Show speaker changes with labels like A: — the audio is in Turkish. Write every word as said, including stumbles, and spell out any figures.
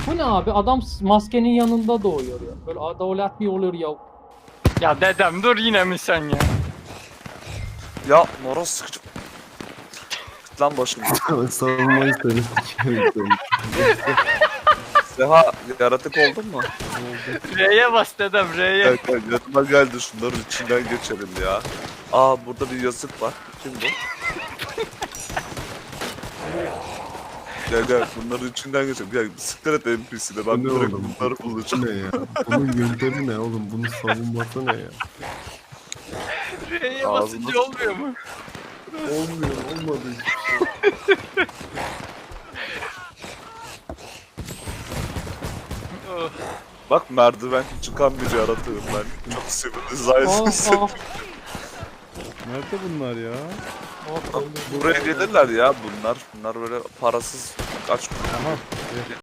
A: Bu ne abi? Adam maskenin yanında doğuyor ya. Böyle adalet mi olur ya?
B: Ya dedem dur yine mi sen ya?
C: Ya moroz sıkıcı. Git lan başımdan.
D: Savunmayı seni sikerim seni.
C: Seha yaratık oldun mu?
B: R'ye bas dedem R'ye.
C: Gel gel yanıma geldi şunların içinden geçelim ya. Aa burada bir yazık var. Kim bu? Gel gel bunların içinden geçelim. Gel siktir et N P C'de ben
D: Bu ne
C: direkt
D: oğlum?
C: bunları
D: Bu
C: bulacağım.
D: ne ya? Bunun yöntemi ne oğlum? Bunun savunması ne ya?
B: R'ye
C: Ağzına
B: basınca olmuyor mu?
D: Olmuyor, olmadı.
B: Oh.
C: Bak merdiven çıkan bir yaratığım ben. Çok civilization'sın.
A: Aa, aa.
E: Nerede bunlar ya?
A: Aa, öldü.
C: Buraya gelirler ya bunlar. Bunlar böyle parasız kaç
E: Aha.